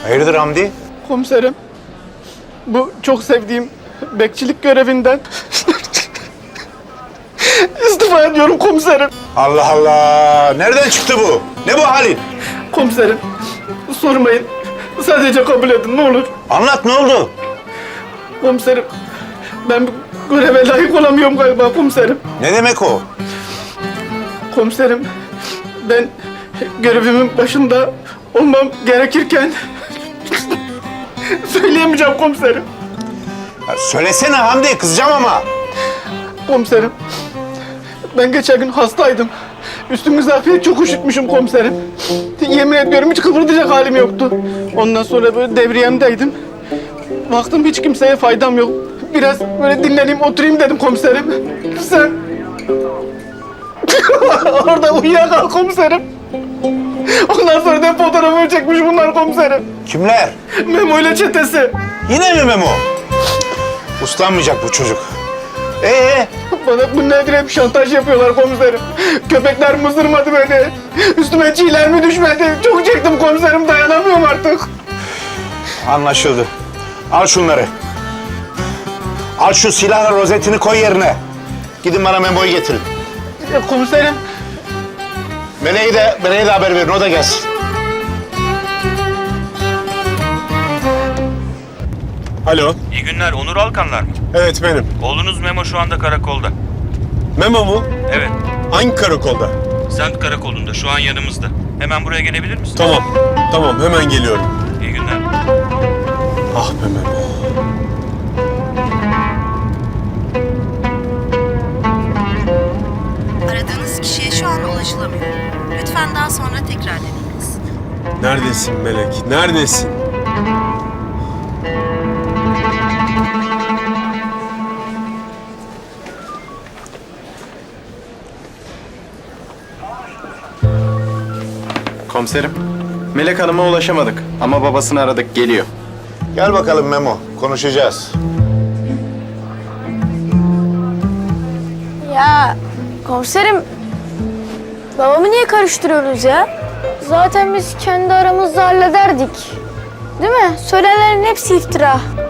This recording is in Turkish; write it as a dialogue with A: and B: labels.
A: Hayırdır Hamdi?
B: Komiserim, bu çok sevdiğim bekçilik görevinden istifa ediyorum komiserim.
A: Allah Allah! Nereden çıktı bu? Ne bu halin?
B: Komiserim, sormayın. Sadece kabul edin ne olur.
A: Anlat, ne oldu?
B: Komiserim, ben bu göreve layık olamıyorum galiba komiserim.
A: Ne demek o?
B: Komiserim, ben görevimin başında olmam gerekirken söyleyemeyeceğim komiserim.
A: Ya söylesene Hamdi, kızacağım ama.
B: Komiserim, ben geçen gün hastaydım. Üstümü zafiyet çok üşütmüşüm komiserim. Yemin ediyorum hiç kıpırdayacak halim yoktu. Ondan sonra böyle devriyemdeydim. Baktım hiç kimseye faydam yok. Biraz böyle dinleneyim, oturayım dedim komiserim. Sen orada uyuyakal komiserim. Ondan sonra da fotoğrafımı çekmiş bunlar komiserim.
A: Kimler?
B: Memo ile çetesi.
A: Yine mi Memo? Uslanmayacak bu çocuk.
B: Bana bu nedir hep şantaj yapıyorlar komiserim. Köpekler mızırmadı beni. Üstüme çiğler mi düşmedi? Çok çektim komiserim, dayanamıyorum artık.
A: Anlaşıldı. Al şunları. Al şu silahla rozetini koy yerine. Gidin bana Memo'yu getirin.
B: Komiserim.
A: Meleğe de haber verin, o da gelsin.
C: Alo.
D: İyi günler, Onur Alkanlar mı?
C: Evet benim.
D: Oğlunuz Memo şu anda karakolda.
C: Memo mu?
D: Evet,
C: Hangi karakolda?
D: semt karakolunda, şu an yanımızda. Hemen buraya gelebilir misin?
C: Tamam. Tamam hemen geliyorum.
D: İyi günler.
C: Ah be Memo.
E: Aradığınız kişiye şu an ulaşılamıyor. Lütfen daha sonra tekrar deneyiniz.
C: Neredesin Melek? Neredesin?
F: Komiserim, Melek Hanım'a ulaşamadık ama babasını aradık, geliyor.
A: Gel bakalım Memo, konuşacağız.
G: Ya komiserim, babamı niye karıştırıyoruz ya? Zaten biz kendi aramızda hallederdik. Değil mi? Söylenenlerin hepsi iftira.